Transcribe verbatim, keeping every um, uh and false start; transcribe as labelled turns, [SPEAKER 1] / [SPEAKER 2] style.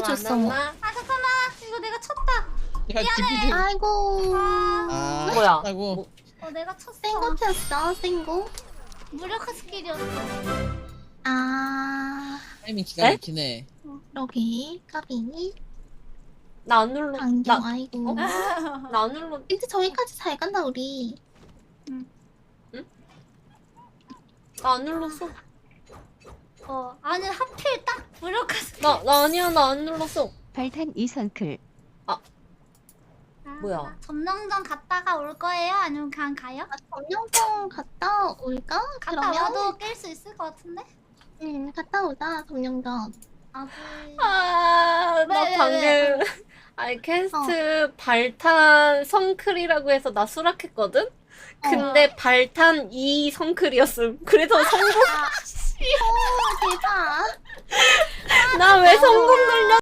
[SPEAKER 1] 줬어.
[SPEAKER 2] 만났나?
[SPEAKER 3] 아 잠깐만 이거 내가 쳤다.
[SPEAKER 4] 야, 디피디.
[SPEAKER 1] 아이고.
[SPEAKER 4] 아,
[SPEAKER 2] 뭐야?
[SPEAKER 4] 아이고.
[SPEAKER 2] 뭐,
[SPEAKER 3] 어 내가 쳤어.
[SPEAKER 1] 센거 폈어, 센거.
[SPEAKER 3] 무력화 스킬이었어.
[SPEAKER 1] 아,
[SPEAKER 4] 타이밍 기가
[SPEAKER 2] 에?
[SPEAKER 4] 막히네.
[SPEAKER 1] 여기 까비.
[SPEAKER 2] 나 안 눌러.
[SPEAKER 1] 안경,
[SPEAKER 2] 나,
[SPEAKER 1] 아이고.
[SPEAKER 2] 어? 나 안 눌러.
[SPEAKER 1] 이제 저기까지 잘 간다 우리.
[SPEAKER 2] 나 안 눌렀어.
[SPEAKER 3] 어 아니 하필 딱 무력화 스킬.
[SPEAKER 2] 나, 나 아니야. 나 안 눌렀어.
[SPEAKER 5] 발탄 이선클.
[SPEAKER 3] 아,
[SPEAKER 2] 뭐야?
[SPEAKER 3] 점령전 갔다가 올 거예요? 아니면 그냥 가요?
[SPEAKER 1] 아, 점령성 갔다 올까?
[SPEAKER 3] 갔다
[SPEAKER 1] 그러면?
[SPEAKER 3] 와도 깰 수 있을 것 같은데?
[SPEAKER 1] 응, 갔다 오자 점령전.
[SPEAKER 3] 아,
[SPEAKER 2] 아, 나
[SPEAKER 3] 왜, 왜,
[SPEAKER 2] 방금.
[SPEAKER 3] 왜?
[SPEAKER 2] 아니, 퀘스트 발탄 성클이라고 해서 나 수락했거든? 근데 발탄 이 성클이었음. 그래서 성공.
[SPEAKER 1] 오, 대박.
[SPEAKER 2] 나 왜 성공 눌렸